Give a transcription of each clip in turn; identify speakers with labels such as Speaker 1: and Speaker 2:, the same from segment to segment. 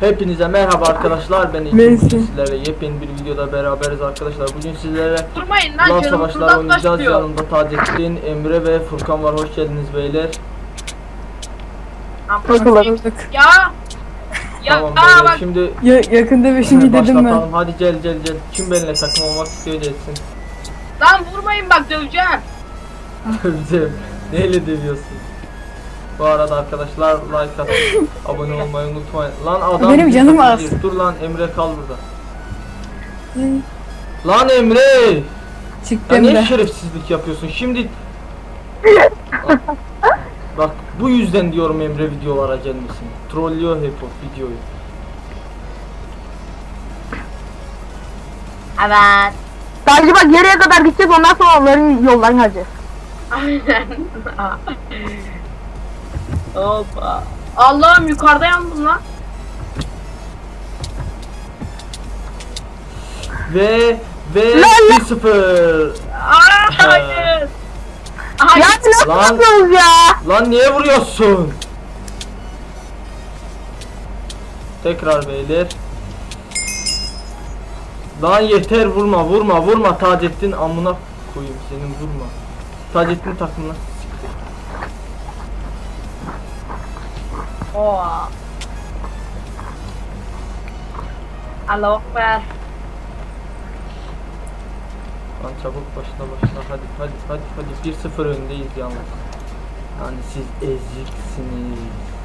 Speaker 1: Hepinize merhaba arkadaşlar, ben Ekim. Sizlerle yepyeni bir videoda beraberiz arkadaşlar. Bugün sizlere Lan Savaşlar oynayacağız. Yanımda Taceddin, Emre ve Furkan var. Hoş geldiniz beyler.
Speaker 2: Ya
Speaker 1: tamam beyler,
Speaker 2: bak.
Speaker 1: şimdi
Speaker 3: yakında bir şey dedim ben.
Speaker 1: Hadi gel. Kim benimle takım olmak istiyor gelsin.
Speaker 2: Lan vurmayın bak, döveceğim.
Speaker 1: Döveceğim. Neyle dövüyorsun? Bu arada arkadaşlar like atın, abone olmayı unutmayın. Lan adam
Speaker 3: benim canım az.
Speaker 1: Dur lan Emre, kal burada. Lan Emre! Ya
Speaker 3: Çıktım
Speaker 1: niye
Speaker 3: da.
Speaker 1: şerefsizlik yapıyorsun şimdi? Bak bu yüzden diyorum Emre videolara gelmesin. Trollüyor hep o videoyu.
Speaker 2: Evet.
Speaker 4: Sadece bak yarıya kadar gideceğiz, ondan sonra onların yollarını alacağız.
Speaker 2: Aynen. Hoppa. Allah'ım, yukarıda yandım lan.
Speaker 1: Ve 1-0.
Speaker 2: Hayır.
Speaker 4: Ya nasıl
Speaker 1: Lan.
Speaker 4: yapıyoruz ya?
Speaker 1: Lan niye vuruyorsun? Tekrar beyler. Lan yeter, vurma Taceddin, amına koyayım senin, vurma. Taceddin takımına.
Speaker 2: Oha. Allahu Ekber.
Speaker 1: Lan çabuk başla hadi 1-0 öndeyiz yalnız. Yani siz eziksiniz.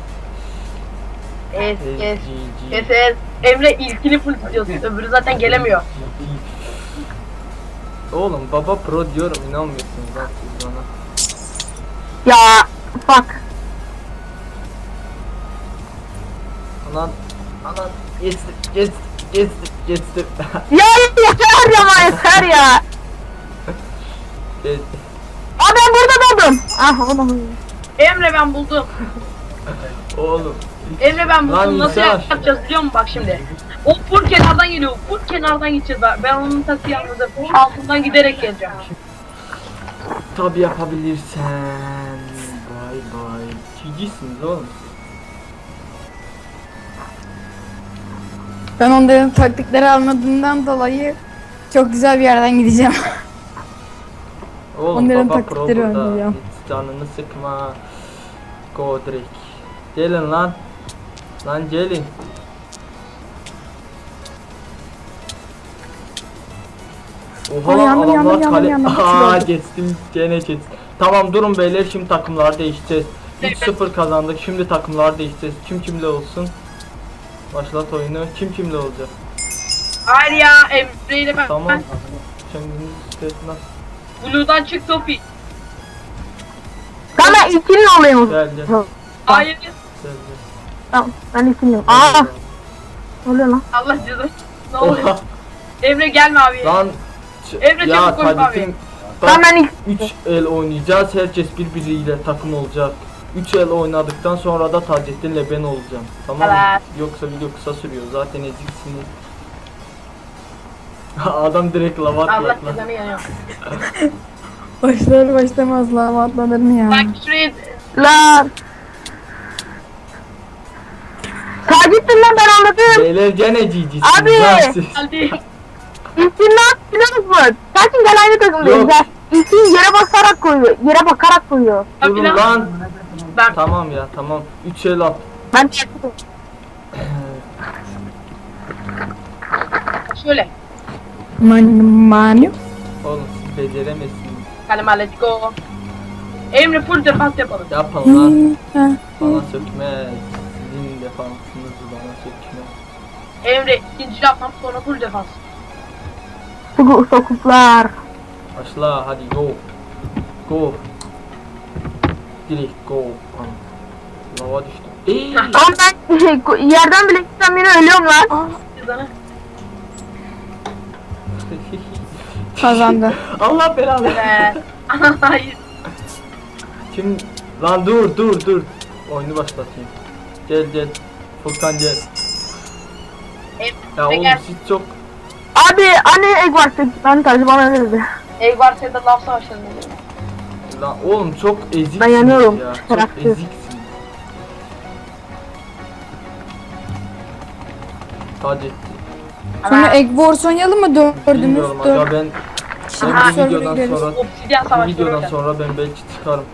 Speaker 2: Kes. Emre ilkini full tutuyorsun. Öbürü zaten gelemiyor.
Speaker 1: Oğlum baba pro diyorum, inanmıyorsunuz lan siz bana.
Speaker 4: Ya bak.
Speaker 1: Anan geçtim.
Speaker 4: Ya yeter ya, yeter ya.
Speaker 1: Geçtim.
Speaker 4: Aa, ben burada doğdum. Ah oğlum.
Speaker 2: Emre ben buldum.
Speaker 1: Oğlum.
Speaker 2: Emre ben
Speaker 1: Lan
Speaker 2: buldum. Nasıl
Speaker 1: insan.
Speaker 2: yapacağız biliyor musun? Bak şimdi. O full kenardan geliyor. Full kenardan gideceğiz. Ben onun taksi anladım. Altından giderek geleceğim.
Speaker 1: Tabi yapabilirsen. Bay. Çicisiniz oğlum.
Speaker 3: Ben onların taktikleri almadığımdan dolayı çok güzel bir yerden gideceğim.
Speaker 1: Oğlum
Speaker 3: Onların
Speaker 1: baba pro
Speaker 3: taktikleri
Speaker 1: burada.
Speaker 3: oynayacağım.
Speaker 1: Hiç canını sıkma. Godric. Gelin lan. Lan gelin. Oha lan,
Speaker 3: yandım,
Speaker 1: adamlar
Speaker 3: yandım,
Speaker 1: kale.
Speaker 3: yandım.
Speaker 1: Aa geçtim, gene geçtim. Tamam durun beyler, şimdi takımlar değişeceğiz. 3-0 kazandık, şimdi takımlar değişeceğiz. Kim kimle olsun? Başlat oyunu. Kim kimle olacak?
Speaker 2: Hayır ya, Emre ile ben.
Speaker 1: Tamam. Kendiniz istesin.
Speaker 2: Blue'dan çık Topi.
Speaker 4: Ben ilkinin olayım.
Speaker 1: Gel.
Speaker 2: Hayır.
Speaker 4: Tamam, ben ilkiniyim. Aa, ne oluyor lan?
Speaker 2: Allah cezası. Ne oluyor?
Speaker 1: Oha.
Speaker 2: Emre gelme abi.
Speaker 1: Lan.
Speaker 2: Emre
Speaker 1: Ya
Speaker 2: çabuk koş abi.
Speaker 1: Taceddin.
Speaker 4: Ben ilk.
Speaker 1: 3 el oynayacağız. Herkes birbiriyle takım olacak. 3 el oynadıktan sonra da Taceddin'le ben olacağım. Tamam mı?
Speaker 2: Evet.
Speaker 1: Yoksa video kısa sürüyor. Zaten eziksiniz. Adam direkt lava
Speaker 2: Allah
Speaker 1: atıyor lan.
Speaker 2: cezanı yanıyor.
Speaker 3: Başlar başlamaz lava atlanır mı ya?
Speaker 2: Bak şuraya.
Speaker 4: Lan. Taceddin lan, ben anladım.
Speaker 1: Beyler gene cicisiniz.
Speaker 4: Abi!
Speaker 1: lan siz.
Speaker 2: Hadi.
Speaker 4: İlkin ne yaptı biliyor musun? Taceddin gel aynı takımdayız
Speaker 1: Yok.
Speaker 4: ya. İlkin yere basarak koyuyor. Yere bakarak koyuyor.
Speaker 1: Durun lan.
Speaker 2: Ben
Speaker 1: Tamam ya, tamam. 3 el at.
Speaker 4: Ben
Speaker 2: şöyle.
Speaker 3: Manu.
Speaker 1: Oğlum siz beceremezsiniz.
Speaker 2: Kalema let's go. Emre full defans yapalım.
Speaker 1: Yapın lan. Bana sökmez. Sizin defansınızı bana sökmez.
Speaker 2: Emre ikinci yapmam, sonra full defans.
Speaker 4: sokuplar.
Speaker 1: Başla hadi, go. Go. Direkt go. Lava düştüm.
Speaker 4: Ama ben yerden bile gitsem yine ölüyorum lan.
Speaker 2: Cezanı.
Speaker 3: Kazandı.
Speaker 1: Allah belanı.
Speaker 2: Evet. Hayır.
Speaker 1: Kim? Lan dur. Oyunu başlatayım. Gel. Furkan gel. Ya
Speaker 2: Emre
Speaker 1: oğlum
Speaker 2: gel.
Speaker 1: siz çok...
Speaker 4: Abi anne egg var, ben tarzı bana verirdi.
Speaker 2: Ey var sende laf savaşlarında.
Speaker 1: Lan oğlum çok eziksiniz
Speaker 4: Ben yanıyorum.
Speaker 1: ya. Çok
Speaker 4: Bıraktı.
Speaker 1: eziksiniz. Taceddin.
Speaker 3: Sonra Egg Wars oynayalım mı dördümüz?
Speaker 1: Bilmiyorum aga ben
Speaker 3: Şimdi
Speaker 1: bu
Speaker 3: server'a
Speaker 1: videodan
Speaker 3: gireriz.
Speaker 1: sonra
Speaker 2: Obsidyen
Speaker 1: bu
Speaker 2: savaşları
Speaker 1: videodan
Speaker 2: oynayalım.
Speaker 1: sonra ben belki çıkarım.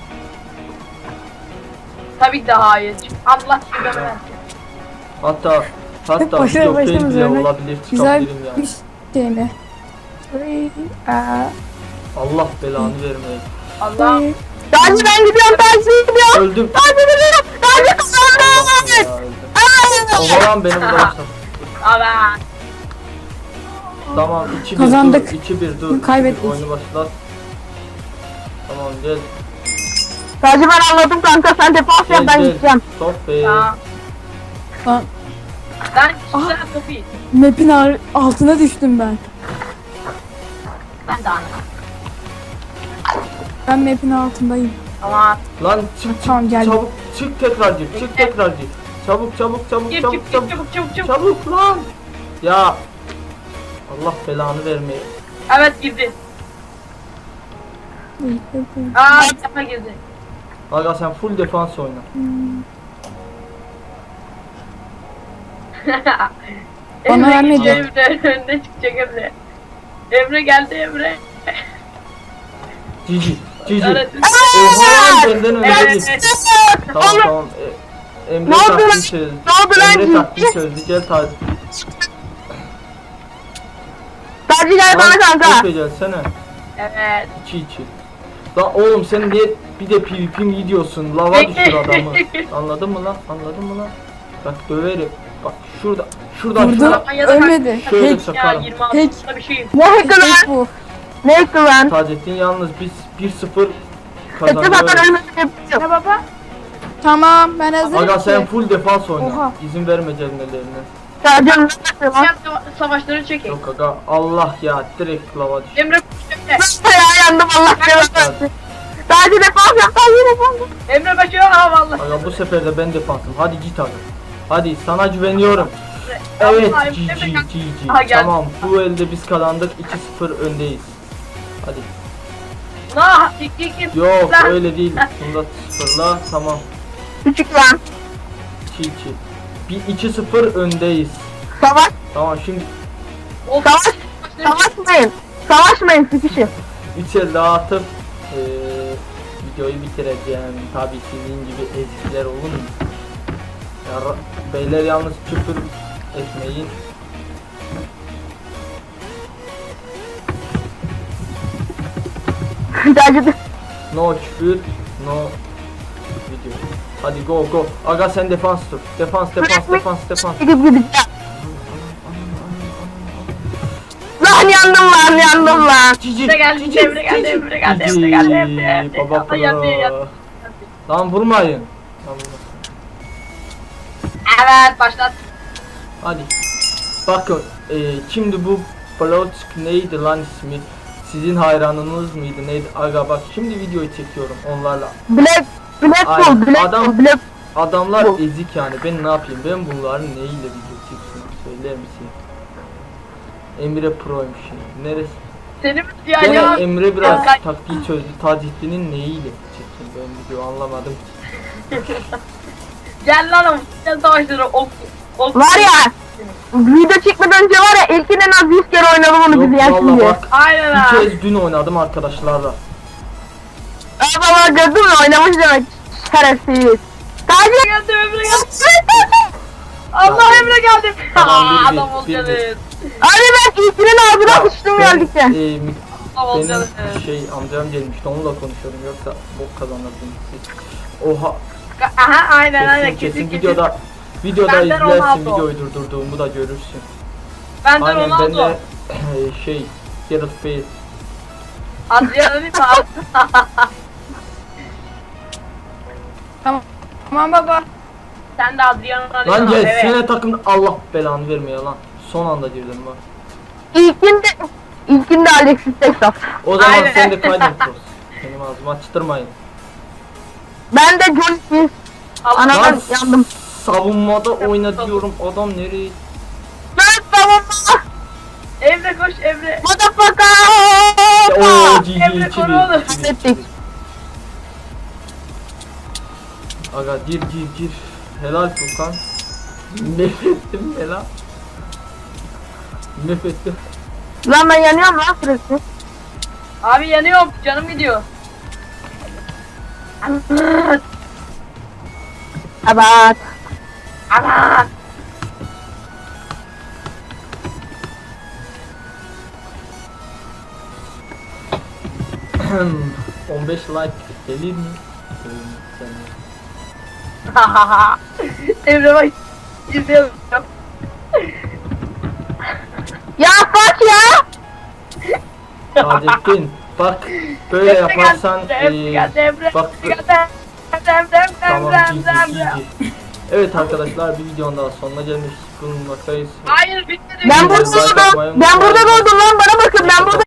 Speaker 2: Tabii ki de hayır. Allah sizi versin.
Speaker 1: Hatta
Speaker 3: Hep
Speaker 1: video fail
Speaker 3: başımız
Speaker 1: bile
Speaker 3: örnek.
Speaker 1: olabilir,
Speaker 3: Güzel
Speaker 1: çıkabilirim yani.
Speaker 3: bir şey mi?
Speaker 1: Allah belanı vermeye.
Speaker 2: Allah.
Speaker 4: Taci ben gidiyorum, Taci gidiyorum.
Speaker 1: Öldüm.
Speaker 4: Taci gidiyorum. Taci
Speaker 1: Allah
Speaker 4: kazandı.
Speaker 1: ya, öldüm. Oğlan benim arkadaşlar.
Speaker 2: Allah.
Speaker 1: Tamam 2-1
Speaker 3: Kazandık.
Speaker 1: dur. 2-1 dur.
Speaker 3: Kaybettik.
Speaker 1: 2-1 oyunu başlat. Tamam gel.
Speaker 4: Taci ben anladım kanka, sen defans yap, ben gideceğim.
Speaker 1: Stop be.
Speaker 2: Ya.
Speaker 3: Lan
Speaker 2: Ben güzel kapıyı.
Speaker 3: map'in altına düştüm ben.
Speaker 2: Ben de anladım.
Speaker 3: Ben map'in altındayım.
Speaker 2: Ama
Speaker 1: Lan çık
Speaker 3: Tamam, geldim.
Speaker 1: çabuk çık tekrar gir. Çık tekrar gir. Çabuk
Speaker 2: gir
Speaker 1: çabuk
Speaker 2: çık
Speaker 1: çabuk
Speaker 2: çık
Speaker 1: çabuk.
Speaker 2: çabuk.
Speaker 1: Çabuk lan. Ya. Allah belanı vermeye.
Speaker 2: Evet girdi. Aa bir defa girdi.
Speaker 1: Aga sen full defans oyna.
Speaker 3: Bana
Speaker 2: Emre
Speaker 3: vermedi.
Speaker 2: gidiyor, Emre önüne çıkacak Emre. Emre geldi Emre.
Speaker 1: Cici. Cici.
Speaker 2: Evet.
Speaker 1: Oha lan benden önce
Speaker 2: Evet.
Speaker 1: git. Tamam tamam. Emre
Speaker 4: Ne oldu
Speaker 1: taktiği
Speaker 4: lan?
Speaker 1: çözdü.
Speaker 4: Ne oldu lan
Speaker 1: Emre
Speaker 4: Cici?
Speaker 1: taktiği çözdü. Gel tabi.
Speaker 4: Taci gel bana kanka.
Speaker 1: Gelsene.
Speaker 2: Evet.
Speaker 1: 2-2. Lan oğlum sen niye bir de PvP mi gidiyorsun? Lava düşür adamı. Anladın mı lan? Anladın mı lan? Bak döverim. Bak şuradan
Speaker 3: Vurdu.
Speaker 1: şuradan.
Speaker 3: Ölmedi.
Speaker 1: Şöyle
Speaker 3: Hack.
Speaker 2: Ya
Speaker 1: sokarım.
Speaker 2: 26'da bir şeyim.
Speaker 4: Ne hackı lan?
Speaker 3: Hack bu.
Speaker 4: Ne hackı lan?
Speaker 1: Taceddin yalnız biz 1-0
Speaker 4: Hackı zaten
Speaker 1: kazanıyoruz.
Speaker 4: ölmedim.
Speaker 2: Ne baba?
Speaker 3: Tamam ben hazırım
Speaker 1: Aga sen
Speaker 3: ki.
Speaker 1: full defans oyna.
Speaker 3: Oha.
Speaker 1: İzin verme gelmelerine.
Speaker 4: Taci ne hackı lan?
Speaker 2: Savaşları çekin.
Speaker 1: Yok aga Allah ya direkt lava düş.
Speaker 2: Emre koş Emre.
Speaker 4: Ya yandım, Allah belanı. Taci defans yap, Taci defans yap.
Speaker 2: Emre başlıyor ha vallahi.
Speaker 1: Aga bu sefer de ben defansım. Hadi git aga. Hadi sana güveniyorum. Evet
Speaker 2: Vallahi
Speaker 1: GG
Speaker 2: Emre kalk-
Speaker 1: GG.
Speaker 2: Aha, geldi.
Speaker 1: Tamam bu elde biz kazandık 2-0 öndeyiz. Hadi.
Speaker 2: Nah tik.
Speaker 1: Yok
Speaker 2: Lan.
Speaker 1: öyle değil. Bunda 0'la tamam.
Speaker 4: Küçük lan.
Speaker 1: 2-2. Bir 2-0 öndeyiz.
Speaker 4: Savaş,
Speaker 1: Tamam şimdi
Speaker 2: Of.
Speaker 4: savaş, savaşmayın. Savaşmayın sıkışın.
Speaker 1: 3 el daha atıp videoyu bitireceğim. Tabii sizin gibi ezikler olur mu? Ya, beyler yalnız küfür etmeyin.
Speaker 4: Taci de.
Speaker 1: No küfür, no video. Hadi go go. Aga sen defans tut. Defans.
Speaker 4: Gidip gideceğim. Lan yandım lan.
Speaker 1: Cici.
Speaker 2: Emre geldi, Emre geldi, Emre geldi, Emre geldi, Emre.
Speaker 1: Baba
Speaker 2: Allah yandı, yandı.
Speaker 1: pro. Lan vurmayın. Lan vurma.
Speaker 2: Evet başlat.
Speaker 1: Hadi. Bakın şimdi bu Bloodsk neydi lan ismi? Sizin hayranınız mıydı neydi? Aga bak şimdi videoyu çekiyorum onlarla.
Speaker 4: Black
Speaker 1: Aynen.
Speaker 4: Bull,
Speaker 1: Adam-
Speaker 4: Black
Speaker 1: Adamlar
Speaker 4: Bu.
Speaker 1: ezik yani ben ne yapayım? Ben bunların neyiyle video çeksin söyler misin? Emre Pro'ymuş şimdi. Neresi?
Speaker 2: Seni mi
Speaker 1: Gene
Speaker 2: diyor ya?
Speaker 1: Emre biraz
Speaker 2: Ya.
Speaker 1: taktiği çözdü. Taceddin'in neyiyle çeksin ben video anlamadım.
Speaker 2: Gel lan o futbol savaşları ok.
Speaker 4: Var ya, video çekmeden önce var ya, ilkin en az 100 kere oynadım onu
Speaker 1: Yok
Speaker 4: izleyen
Speaker 1: valla
Speaker 4: şimdi.
Speaker 1: bak
Speaker 2: Aynen
Speaker 1: bir
Speaker 2: ha.
Speaker 1: kez dün oynadım arkadaşlarla.
Speaker 4: Baba gördün mü, oynamış demek. Şerefsiz. Taci
Speaker 2: Geldi Emre geldi. Allah Emre geldi.
Speaker 1: Tamam, bir,
Speaker 2: Adam
Speaker 1: bir,
Speaker 2: olacaksın.
Speaker 4: Abi ben ilkinin ağzına sıçtım
Speaker 1: Ben,
Speaker 4: geldikçe.
Speaker 2: Adam olacaksın.
Speaker 1: benim amcam gelmişti onunla konuşuyorum yoksa bok kazanırdım siz. Oha
Speaker 2: Aha aynen
Speaker 1: kesin
Speaker 2: kesin
Speaker 1: videoda
Speaker 2: Benden
Speaker 1: izlersin
Speaker 2: Ronaldo.
Speaker 1: videoyu durdurduğumu da görürsün.
Speaker 2: Benden
Speaker 1: Aynen ben
Speaker 2: Ronaldo.
Speaker 1: de Gareth Bale.
Speaker 2: Adriano değil mi?
Speaker 3: Tamam baba.
Speaker 2: Sen de Adriano değil
Speaker 1: Lan
Speaker 2: mi?
Speaker 1: gel
Speaker 2: Evet.
Speaker 1: sene takımda Allah belanı vermeye lan. Son anda girdim bak.
Speaker 4: İlkinde Alexis Texas.
Speaker 1: O zaman
Speaker 2: Aynen.
Speaker 1: sen de kaydın Cross. Benim ağzıma açtırmayın.
Speaker 4: Ben de John Smith.
Speaker 2: Allah
Speaker 4: Ana-
Speaker 1: Lan
Speaker 4: yandım.
Speaker 1: savunmada oyna diyorum adam nereye?
Speaker 4: Ben tamam.
Speaker 2: Emre koş Emre.
Speaker 4: Motherfucker.
Speaker 1: Ooo GG
Speaker 2: Emre koru oğlum.
Speaker 4: Kaybettik.
Speaker 1: Aga gir. Helal Furkan. Nefrettim helal. Nefetti.
Speaker 4: Lan ben yanıyorum lan sürekli.
Speaker 2: Abi yanıyorum. Canım gidiyor.
Speaker 4: Evet.
Speaker 2: Aman.
Speaker 1: Ahem, 15 like gelir mi?
Speaker 2: Emre bak. İzliyorum.
Speaker 4: Ya bak ya.
Speaker 1: Taceddin bak böyle yaparsan bak tamam GG. Evet arkadaşlar bir videonun daha sonuna gelmiş bulunmaktayız.
Speaker 2: Hayır bitmedi.
Speaker 4: Ben burada doğdum. Ben burada doğdum lan bana bakın ben burada.